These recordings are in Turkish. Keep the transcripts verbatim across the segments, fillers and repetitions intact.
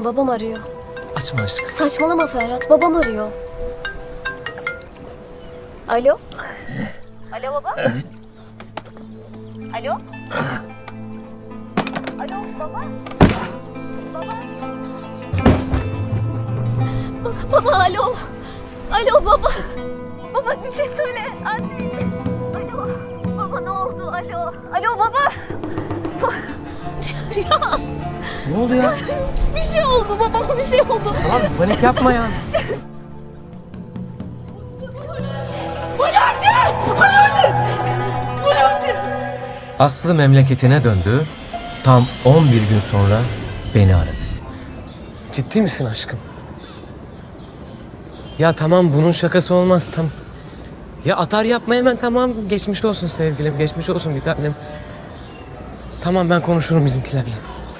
babam arıyor. Açma aşkım. Saçmalama Ferhat, babam arıyor. Alo? Alo baba? Alo? Alo baba? Baba? Ba- baba alo? Alo baba? Baba bir şey söyle. Anne. Alo. Baba ne oldu? Alo. Alo baba. Ya. Ne oldu ya? Bir şey oldu babama bir şey oldu. Tamam panik yapma ya. Hulusi! Hulusi! Hulusi! Aslı memleketine döndü. Tam on bir gün sonra beni aradı. Ciddi misin aşkım? Ya tamam bunun şakası olmaz tam. Ya atar yapma hemen tamam. Geçmiş olsun sevgilim, geçmiş olsun bir tanem. Tamam ben konuşurum bizimkilerle.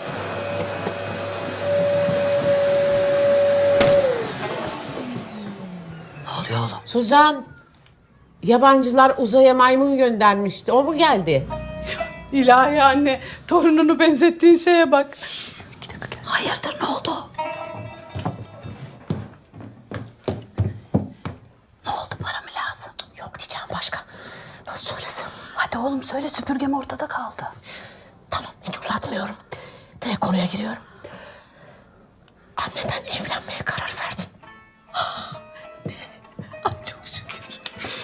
Ne oluyor oğlum? Suzan, yabancılar uzaya maymun göndermişti. O mu geldi? İlahi anne, torununu benzettiğin şeye bak. Hayırdır ne oldu? Ne oldu, para mı lazım? Yok diyeceğim başka. Nasıl söylesem? Hadi oğlum söyle, süpürgem ortada kaldı. Tamam, hiç uzatmıyorum. Direkt konuya giriyorum. Anne ben evlenmeye karar verdim. Ay çok şükür.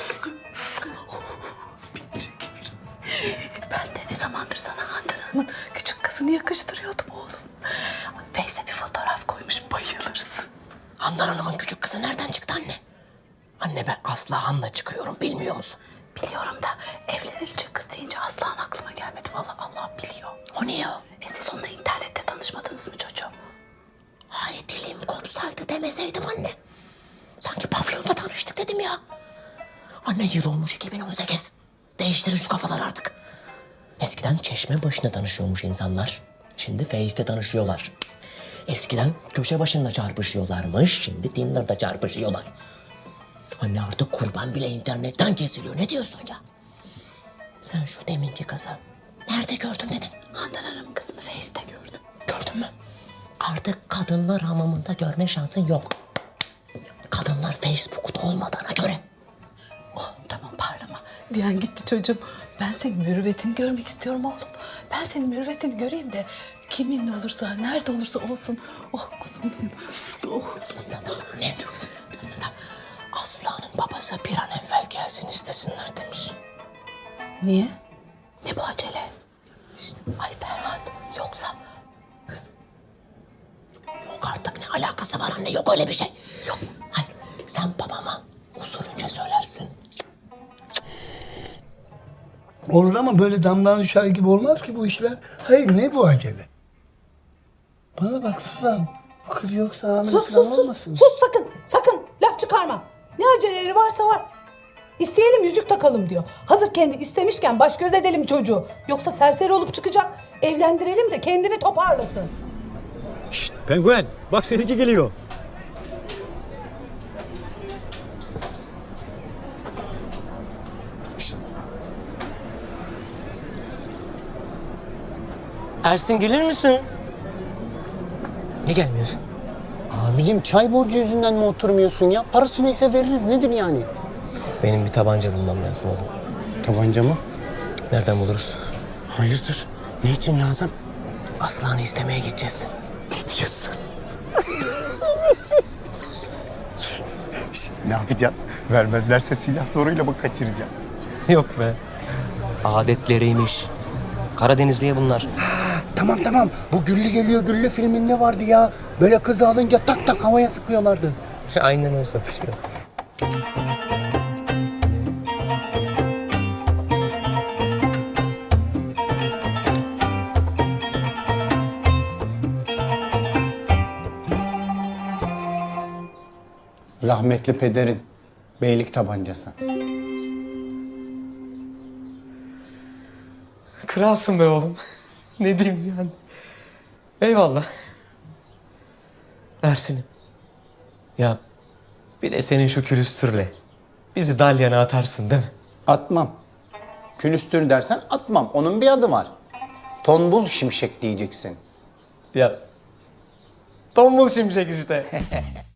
Bin şükür. Ben de ne zamandır sana Handan Hanım'ın küçük kızını yakıştırıyordum oğlum. Face'e bir fotoğraf koymuş, bayılırsın. Handan Hanım'ın küçük kızı nereden çıktı anne? Anne ben Aslı Han'la çıkıyorum, bilmiyor musun? Biliyorum da evlenilecek kız deyince Aslan aklıma gelmedi. Vallahi Allah biliyor. O niye o? E siz onunla internette tanışmadınız mı çocuğum? Ay dilim kopsaydı demeseydim anne. Sanki pavyonda tanıştık dedim ya. Anne yıl olmuş iki bin on sekiz. Değiştirin şu kafaları artık. Eskiden çeşme başında tanışıyormuş insanlar. Şimdi Face'te tanışıyorlar. Eskiden köşe başında çarpışıyorlarmış. Şimdi Tinder'da çarpışıyorlar. Anne artık kurban bile internetten kesiliyor. Ne diyorsun ya? Sen şu deminki kızı nerede gördün dedin? Handan Hanım kızını Face'te gördüm. Gördün mü? Artık kadınlar hamamında görme şansın yok. Kadınlar Facebook'ta olmadığına göre. Oh, tamam parlama. Diyen gitti çocuğum. Ben senin mürüvvetini görmek istiyorum oğlum. Ben senin mürüvvetini göreyim de kiminle olursa, nerede olursa olsun. Oh kuzum benim. Oh. Ne? Çok sevindim. Aslanın babası bir an evvel gelsin istesinler demiş. Niye? Ne bu acele? İşte ay Ferhat yoksa kız. Yok artık ne alakası var anne, yok öyle bir şey. Yok. Hayır sen babama usulünce söylersin. Olur ama böyle damdan düşer gibi olmaz ki bu işler. Hayır ne bu acele? Bana bak Suzan. Bu kız yoksa hamile Sus falan sus sus. olmasın. Sus sakın. Sakın. Laf çıkarma. Ne aceleleri varsa var. İsteyelim yüzük takalım diyor. Hazır kendi istemişken baş göz edelim çocuğu. Yoksa serseri olup çıkacak. Evlendirelim de kendini toparlasın. Şşt, penguen bak seninki geliyor. Ersin gelir misin? Ne gelmiyorsun? Abicim çay borcu yüzünden mi oturmuyorsun ya? Parası neyse veririz, nedir yani? Benim bir tabanca bulmam lazım oğlum. Tabanca mı? Nereden buluruz? Hayırdır? Ne için lazım? Aslan'ı istemeye gideceğiz. Ne diyorsun? Ne yapacaksın? Vermezlerse silah zoruyla mı kaçıracaksın? Yok be. Adetleriymiş. Karadenizliye bunlar. Tamam tamam. Bu Güllü Geliyor Güllü filminde vardı ya. Böyle kızı alınca tak tak havaya sıkıyorlardı. Aynen o sap işte. Rahmetli pederin beylik tabancası. Kralsın be oğlum. Ne diyeyim yani. Eyvallah. Ersin'im. Ya bir de senin şu külüstürle bizi dalyana atarsın değil mi? Atmam. Külüstür dersen atmam. Onun bir adı var. Tombul şimşek diyeceksin. Ya Tombul şimşek işte.